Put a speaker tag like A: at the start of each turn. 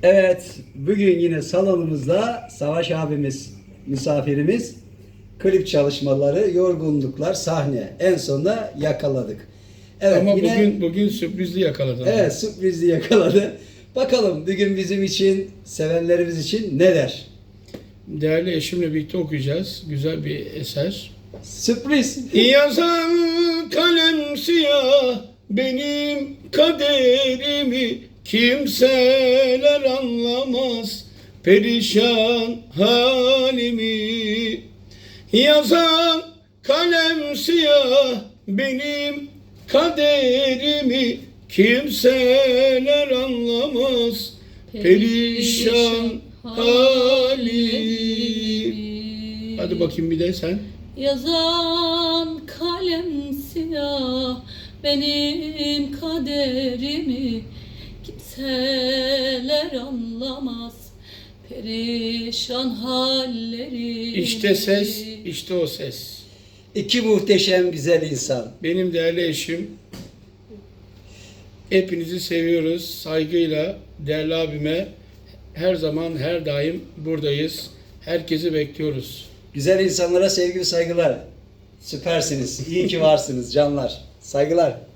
A: Evet, bugün yine salonumuzda Savaş abimiz, misafirimiz, klip çalışmaları, yorgunluklar, sahne. En sonunda yakaladık. Evet,
B: Ama
A: yine
B: bugün sürprizli yakaladın.
A: evet, sürprizli yakaladı. Bakalım bugün bizim için, sevenlerimiz için ne der?
B: Değerli eşimle birlikte okuyacağız. Güzel bir eser.
A: Sürpriz.
B: Yazan kalem siyah benim kaderimi kimseler anlamaz perişan halimi. Yazan kalem siyah benim kaderimi kimseler anlamaz perişan halimi. Hadi bakayım bir de sen.
C: Yazan kalem siyah benim kaderimi kimseler anlamaz perişan hallerimi.
B: İşte ses, işte o ses.
A: İki muhteşem güzel insan.
B: Benim değerli eşim. Hepinizi seviyoruz. Saygıyla değerli abime her zaman, her daim buradayız. Herkesi bekliyoruz.
A: Güzel insanlara sevgi ve saygılar. Süpersiniz. İyi ki varsınız canlar. Saygılar.